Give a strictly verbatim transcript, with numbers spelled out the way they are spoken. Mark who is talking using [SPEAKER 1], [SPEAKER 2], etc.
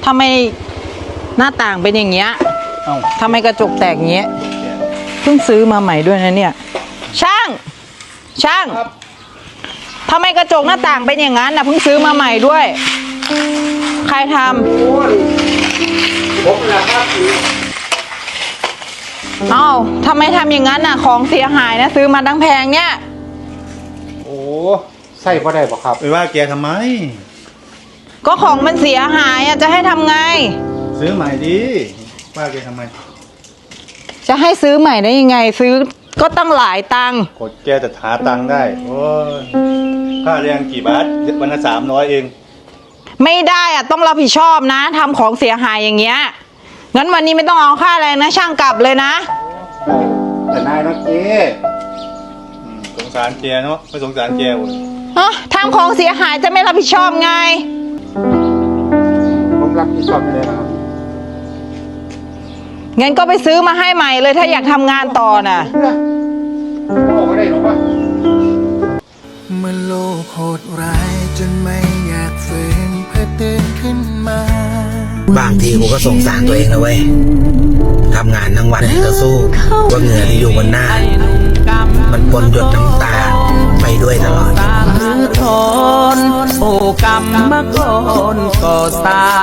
[SPEAKER 1] ทำไมหน้าต่างเป็นอย่างเงี้ยทำไมกระจกแตกอย่างเงี้ยเพิ่งซื้อมาใหม่ด้วยนะเนี่ยช่างช่างทำไมกระจกหน้าต่างเป็นอย่างนั้นนะเพิ่งซื้อมาใหม่ด้วยใครทำผมแหละครับเอ้าทำไมทำอย่างนั้นน่ะของเสียหายนะซื้อมาตั้งแพงเนี่ย
[SPEAKER 2] โอ้ใส่พอได้ป่ะครับ
[SPEAKER 3] ไปว่าแกทำไม
[SPEAKER 1] ก็ของมันเสียหายอ่ะจะให้ทำไง
[SPEAKER 3] ซื้อใหม่ดิว่าแกทำไม
[SPEAKER 1] จะให้ซื้อใหม่ได้ยังไงซื้อก็ตั้งหลายตังค์
[SPEAKER 3] กดแกจะหาตังค์ได้โอ้ยค่าแรงกี่บาทวันละสามร้อยเอง
[SPEAKER 1] ไม่ได้อ่ะต้องรับผิดชอบนะทำของเสียหายอย่างเงี้ยงั้นวันนี้ไม่ต้องเอาค่าแรงนะช่างกลับเลยนะ
[SPEAKER 2] แต่นายนะเจ๊
[SPEAKER 3] สงสารแกเนาะไม่สงสารแกเลย
[SPEAKER 1] ฮะทำของเสียหายจะไม่รับผิดชอบไง
[SPEAKER 2] ผมรับผิดชอบเลยนะครับ
[SPEAKER 1] งั้นก็ไปซื้อมาให้ใหม่เลยถ้าอยากทำงานต่อน่ะ
[SPEAKER 2] โอ้ไม่ได้หรอกวะ
[SPEAKER 4] เมื่อโลกโหดร้ายจนไม่อยากฝืนเพื่อตื่นขึ้นมา
[SPEAKER 5] บางทีกูก็สงสารตัวเองนะเว้ยทำงานทั้งวันก็สู้ว่าเหงื่อที่อยู่บนหน้ามันปนหยดน้ำตาไปด้วยตลอด
[SPEAKER 4] มือทนโอกรรมมาก่อนก็สา